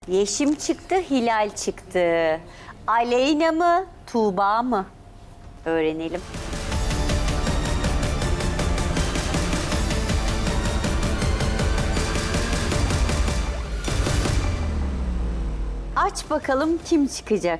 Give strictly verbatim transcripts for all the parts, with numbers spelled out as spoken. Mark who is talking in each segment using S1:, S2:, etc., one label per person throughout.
S1: Yeşim çıktı, Hilal çıktı. Aleyna mı, Tuğba mı? Öğrenelim. Aç bakalım kim çıkacak?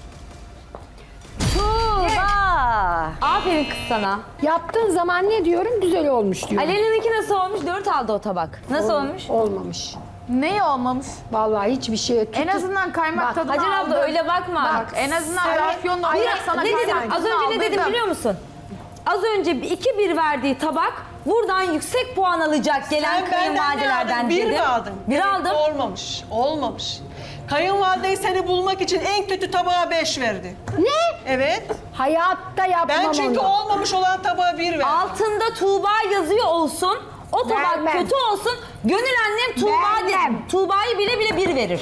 S1: Tuğba!
S2: Aferin kız sana.
S3: Yaptığın zaman ne diyorum? Güzel olmuş diyorum.
S2: Aleyna'nınki nasıl olmuş? Dört aldı o tabak. Nasıl
S3: Ol-
S2: olmuş?
S3: Olmamış.
S4: Ne olmamış?
S3: Vallahi hiçbir şey.
S4: En azından kaymak
S3: Bak,
S4: tadını
S2: Hacer abla
S4: aldın.
S2: öyle bakma.
S3: Bak,
S4: En azından
S3: sen-
S4: afyonla
S3: Ay,
S4: olarak sana
S2: ne dedim?
S4: kaymak
S2: Az
S4: tadını
S2: önce ne dedim
S4: aldırdım.
S2: biliyor musun? Az önce iki bir verdiği tabak buradan yüksek puan alacak gelen
S5: Sen benden ne
S2: kayınvalidelerden
S5: aldın? Bir
S2: dedim.
S5: mi aldın?
S2: Bir
S5: Evet,
S2: aldım.
S5: Olmamış, olmamış. Kayınvalideyi seni bulmak için en kötü tabağa beş verdi.
S3: Ne?
S5: Evet.
S3: Hayatta yapmam
S5: Ben çünkü
S3: onu.
S5: olmamış olan tabağa bir verdim.
S2: Altında Tuğba yazıyor olsun. O tabak
S3: Vermem.
S2: kötü olsun. Gönül annem Tuğba de,
S3: Vermem.
S2: Tuğba'yı bile bile bir verir.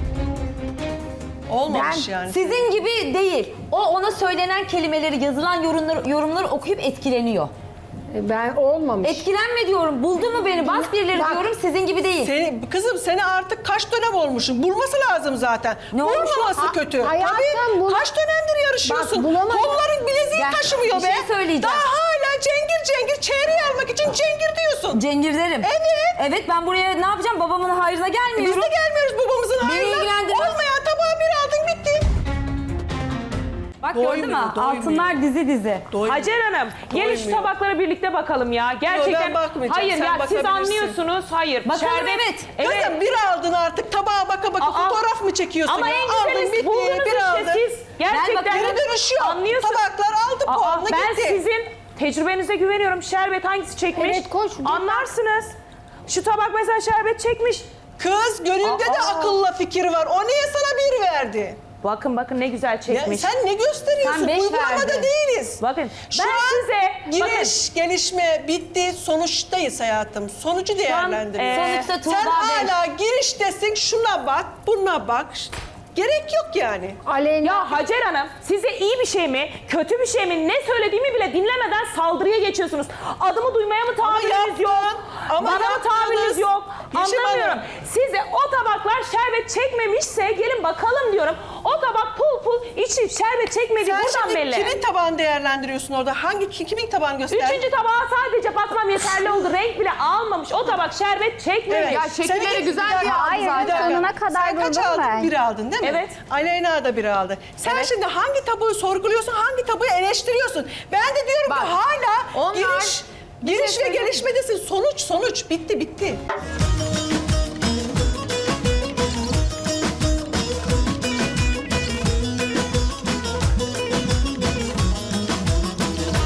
S5: Olmamış
S3: Ben-
S5: yani.
S2: Sizin gibi değil. O ona söylenen kelimeleri, yazılan yorumları, yorumları okuyup etkileniyor.
S3: Ben olmamış.
S2: Etkilenme diyorum. Buldu mu beni? Bas birileri
S3: Bak.
S2: diyorum. Sizin gibi değil.
S5: Seni, kızım seni artık kaç dönem olmuşsun? Bulması lazım zaten.
S2: Ne olmuş?
S5: Bulmaması
S3: Ha-
S5: kötü.
S3: hayatım
S5: Tabii.
S3: bul-
S5: Kaç dönemdir yarışıyorsun?
S3: Bak, bulamadım.
S5: Kolların bileziği
S2: Gel,
S5: taşımıyor
S2: bir
S5: be.
S2: şey söyleyeceğim.
S5: Daha hala cengir cengir çeyreği almak için cengir diyorsun.
S2: Cengir derim.
S5: Evet.
S2: Evet, ben buraya ne yapacağım? Babamın hayrına
S5: Biz
S2: gelmiyorum.
S5: de gelmiyoruz babamızın
S2: Beni
S5: hayrına.
S2: ilgilendirmez.
S5: Olmayan tabağı bir aldın bitti.
S2: Bak gördün mü?
S5: Doymuyor, doymuyor.
S2: Altınlar dizi dizi.
S5: Doymuyor.
S6: Hacer Hanım, gelin şu
S5: Doymuyor.
S6: tabaklara birlikte bakalım ya. Gerçekten.
S5: ben bakmayacağım,
S6: Hayır
S5: sen
S6: ya siz
S5: bakabilirsin.
S6: anlıyorsunuz. Hayır.
S2: Bakalım,
S6: Şerbet-
S2: evet.
S6: Evet.
S5: Kızım bir aldın artık tabağa baka baka
S6: Aa,
S5: fotoğraf mı çekiyorsun?
S6: Ama
S5: ya?
S6: en
S5: Aldın
S6: güzeli
S5: bitti
S6: buldunuz
S5: bir
S6: işte
S5: aldın.
S6: siz. Gerçekten.
S2: bakarım.
S5: Geri dönüş yok.
S6: Anlıyorsun.
S5: Tabaklar aldı
S6: Aa,
S5: puanını
S6: ben
S5: gitti.
S6: sizin tecrübenize güveniyorum. Şerbet hangisi çekmiş?
S3: Evet, koş.
S6: Anlarsınız. Şu tabak mesela şerbet çekmiş.
S5: Kız gönülde de
S6: Aa.
S5: akılla fikir var. O niye sana bir verdi?
S6: Bakın bakın ne güzel
S5: Ya
S6: çekmiş.
S5: sen ne gösteriyorsun?
S2: Sen beş
S5: Uygulamada
S2: verdin.
S5: değiliz.
S6: Bakın
S5: Şu
S6: ben
S5: an
S6: size
S5: giriş, gelişme bitti. Sonuçtayız hayatım. Sonucu değerlendiriyoruz.
S6: e,
S2: Sonuçta Tuğba
S5: Sen
S2: beş.
S5: hala giriştesin. Şuna bak, buna bak. Gerek yok yani.
S3: Aleyna.
S6: Ya Hacer Hanım, size iyi bir şey mi, kötü bir şey mi, ne söylediğimi bile dinlemeden saldırıya geçiyorsunuz. Adımı duymaya mı tahammülünüz
S5: yaptın,
S6: yok?
S5: ama
S6: Bana mı
S5: yaptınız.
S6: tahammülünüz yok?
S5: Yeşim
S6: Anlamıyorum.
S5: Hanım.
S6: Size o tabaklar şerbet çekmemişse gelin bakalım diyorum. O tabak pul pul içi şerbet çekmediği
S5: Sen
S6: buradan
S5: şimdi
S6: belli.
S5: kimin tabağını değerlendiriyorsun orada? Hangi ki- kimin tabağını göster?
S6: Üçüncü tabağa sadece bakmam yeterli oldu. Renk bile almamış. O tabak şerbet çekmemiş.
S5: Evet.
S4: Ya şekilleri
S5: Senin-
S4: güzel
S5: Bir dakika,
S4: diye aldı
S5: bir
S4: zaten.
S5: dakika.
S7: sonuna kadar
S5: Sen kaç
S7: durdum
S5: aldın?
S7: ben.
S5: Bir aldın değil mi?
S6: Evet.
S5: Aleyna da bir aldı. Sen
S6: Evet.
S5: şimdi hangi tabağı sorguluyorsun, hangi tabağı eleştiriyorsun? Ben de diyorum
S4: Bak,
S5: ki hala
S4: onlar-
S5: giriş,
S4: Bir şey
S5: giriş ve
S4: söyleyeyim mi?
S5: gelişmedesin. Sonuç, sonuç. Bitti, bitti.